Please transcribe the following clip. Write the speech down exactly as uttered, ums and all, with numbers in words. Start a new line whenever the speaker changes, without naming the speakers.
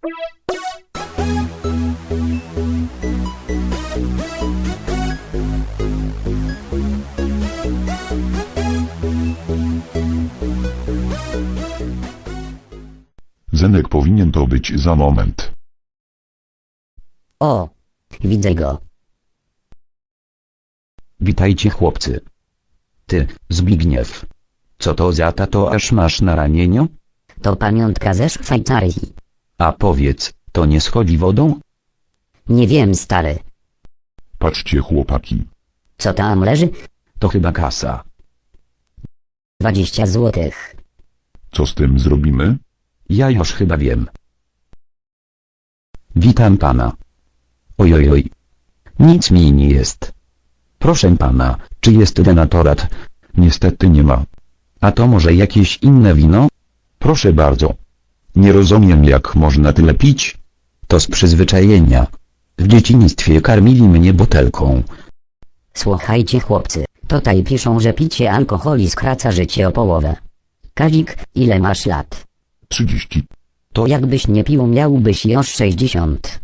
Zenek powinien to być za moment.
O, widzę go.
Witajcie chłopcy. Ty, Zbigniew. Co to za tatuaż masz na ramieniu?
To pamiątka ze Szwajcarii.
A powiedz, to nie schodzi wodą?
Nie wiem, stary.
Patrzcie chłopaki.
Co tam leży?
To chyba kasa.
Dwadzieścia złotych.
Co z tym zrobimy?
Ja już chyba wiem. Witam pana. Ojojoj. Nic mi nie jest. Proszę pana, czy jest denatorat?
Niestety nie ma.
A to może jakieś inne wino?
Proszę bardzo. Nie rozumiem, jak można tyle pić.
To z przyzwyczajenia. W dzieciństwie karmili mnie butelką.
Słuchajcie chłopcy, tutaj piszą, że picie alkoholi skraca życie o połowę. Kazik, ile masz lat?
trzydzieści.
To jakbyś nie pił, miałbyś już sześćdziesiąt.